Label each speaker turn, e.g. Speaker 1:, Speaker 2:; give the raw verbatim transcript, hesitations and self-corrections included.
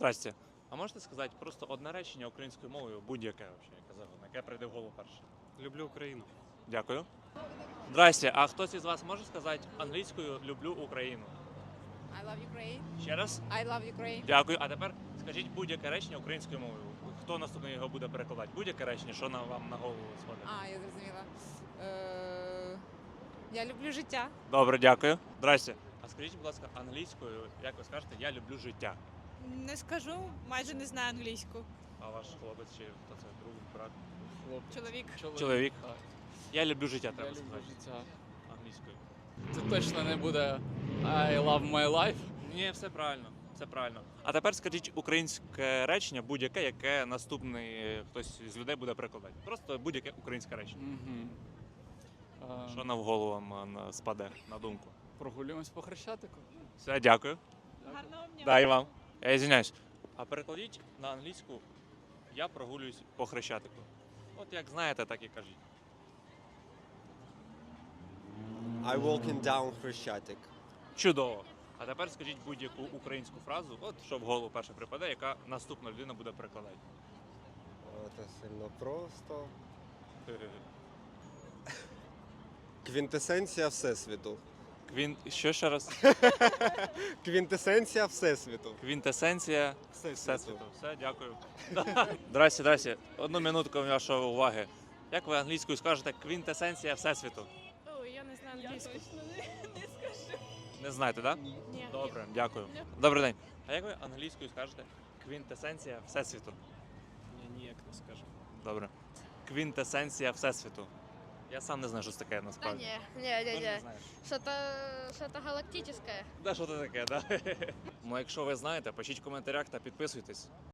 Speaker 1: Здрасте. А можете сказати просто одне речення українською мовою, будь-яке вообще, яке завгодно, яке прийде в голову перше?
Speaker 2: Люблю Україну.
Speaker 1: Дякую. Здрасте. А хтось із вас може сказати англійською люблю Україну?
Speaker 3: I love Ukraine.
Speaker 1: Ще раз?
Speaker 3: I love Ukraine.
Speaker 1: Дякую. А тепер скажіть будь-яке речення українською мовою. Хто наступний його буде перекладати? Будь-яке речення, що на вам на голову сходить?
Speaker 3: А, я зрозуміла. Е, Я люблю життя.
Speaker 1: Добре, дякую. Здрасте. А скажіть, будь ласка, англійською, як ви скажете, я люблю життя.
Speaker 4: Не скажу, майже не знаю англійську.
Speaker 1: А ваш хлопець чи хто це друг, брат?
Speaker 4: Чоловік.
Speaker 1: Чоловік.
Speaker 5: Так.
Speaker 1: Я люблю життя,
Speaker 5: Я
Speaker 1: треба
Speaker 5: люблю
Speaker 1: сказати.
Speaker 5: життя.
Speaker 1: Англійською.
Speaker 5: Це точно не буде I love my life.
Speaker 1: Ні, все правильно, все правильно. А тепер скажіть українське речення, будь-яке, яке наступний е, хтось з людей буде перекладати. Просто будь-яке українське речення.
Speaker 5: Угу.
Speaker 1: Що на в голову вам е, на- спаде на думку?
Speaker 5: Прогулюємось по Хрещатику.
Speaker 1: Все, дякую.
Speaker 4: Гарного дня.
Speaker 1: Да, і вам. Я звиняюсь. А перекладіть на англійську я прогулююсь по Хрещатику. От як знаєте, так і кажіть.
Speaker 6: I walking down Хрещатик.
Speaker 1: Чудово. А тепер скажіть будь-яку українську фразу, от що в голову перше припаде, яка наступна людина буде перекладати.
Speaker 6: Це сильно просто. Квінтесенція Всесвіту.
Speaker 1: Квін... Що ще раз?
Speaker 6: Квінтесенція Всесвіту.
Speaker 1: Квінтесенція
Speaker 6: Всесвіту.
Speaker 1: Всесвіту. Все, дякую. Здрасте, здрасте. Одну минутку вашої уваги. Як ви англійською скажете квінтесенція Всесвіту?
Speaker 4: Ой, я не знаю англійську. Я точно не, не скажу.
Speaker 1: Не знаєте, так? Да?
Speaker 4: Ні.
Speaker 1: Добре, дякую. Добрий день. А як ви англійською скажете квінтесенція Всесвіту?
Speaker 2: Я ніяк не скажу.
Speaker 1: Добре. Квінтесенція Всесвіту. Я сам не знаю, що це таке
Speaker 7: Да
Speaker 1: насправді.
Speaker 7: не, не,
Speaker 1: Теж
Speaker 7: не,
Speaker 1: не
Speaker 7: не.
Speaker 1: знаєш?
Speaker 7: Что-то, что-то галактическое.
Speaker 1: Да, що це таке, да? Ну, якщо ви знаєте, пишіть в коментарях та підписуйтесь.